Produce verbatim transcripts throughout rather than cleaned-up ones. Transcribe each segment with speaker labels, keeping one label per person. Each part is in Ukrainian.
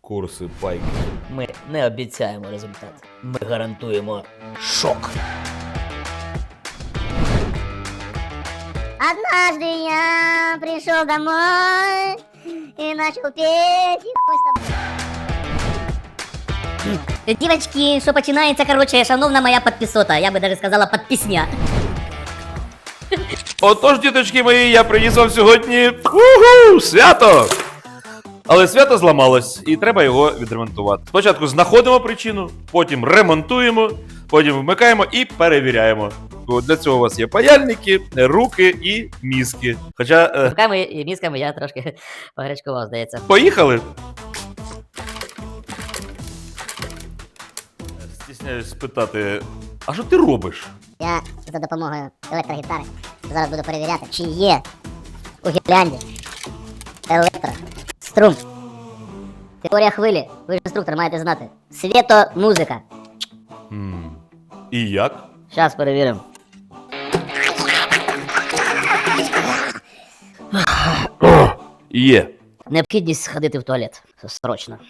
Speaker 1: Курси пайки.
Speaker 2: Ми не обіцяємо результат. Ми гарантуємо шок.
Speaker 3: Однажды я пришел домой и начал петь, и хуй с тобой.
Speaker 4: Дівочки, що починається, короче, шановна моя підписота, я би даже сказала підпісня.
Speaker 1: Отож, діточки мої, я приніс вам сьогодні уху, свято! Але свято зламалось, і треба його відремонтувати. Спочатку знаходимо причину, потім ремонтуємо, потім вмикаємо і перевіряємо. Бо для цього у вас є паяльники, руки і мізки. Хоча, е,
Speaker 4: Руками і мізками я трошки погречкував, здається.
Speaker 1: поїхали! Стісняюсь спитати, а що ти робиш?
Speaker 3: Я за допомогою електрогітари зараз буду перевіряти, чи є у гірлянді електрострум. Теорія хвилі, ви ж інструктор маєте знати. Світо-музика.
Speaker 1: М, І як?
Speaker 2: Зараз перевіримо.
Speaker 1: Є.
Speaker 2: Необхідність сходити в туалет. Срочно.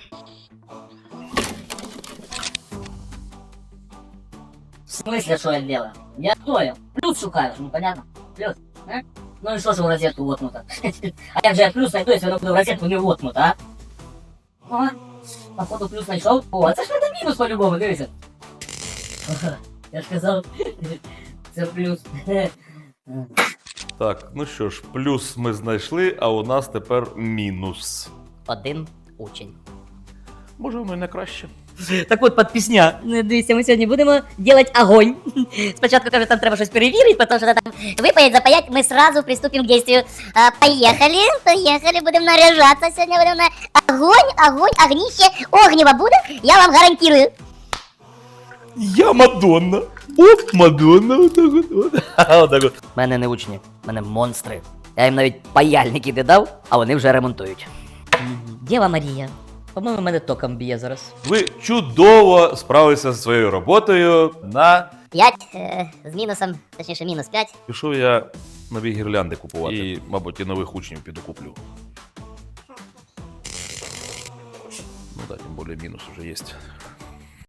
Speaker 4: В смысле, що я делаю? Я понял. Плюс шукаю, ну понятно? Плюс. А? Ну і що ж у розетку воткнуто? А як же я плюс знайду, якщо воно в розетку не воткнуто, а? Ага. Походу плюс знайшов. О, а це ж треба мінус по-любому, дивися. Я ж казав, це плюс.
Speaker 1: Так, ну що ж, плюс ми знайшли, а у нас тепер мінус.
Speaker 2: Один учень.
Speaker 1: Може, воно і не краще.
Speaker 2: Так от, підпісня.
Speaker 4: Ну, дивіться, ми сьогодні будемо делать огонь. Спочатку, каже, там треба щось перевірити, потім що там
Speaker 3: Выпаять, запаять, мы сразу приступим к действию. А, поехали, поехали, будем наряжаться. Сегодня будем на огонь, огонь, огнище, огнево будет, я вам гарантирую.
Speaker 1: Я Мадонна. Оп, Мадонна, отак от. от. Отак от.
Speaker 2: У мене не учні, у мене монстри. Я їм навіть паяльники не дав, а вони вже ремонтують.
Speaker 4: Дєва Марія. По-моєму, мене током б'є зараз.
Speaker 1: Ви чудово справилися зі своєю роботою. На
Speaker 3: Пять э, с минусом, точнее минус пять.
Speaker 1: пішов я нові гірлянди купувати. І, мабуть, і нових учнів піду куплю. Ну так, тим більше мінус вже є.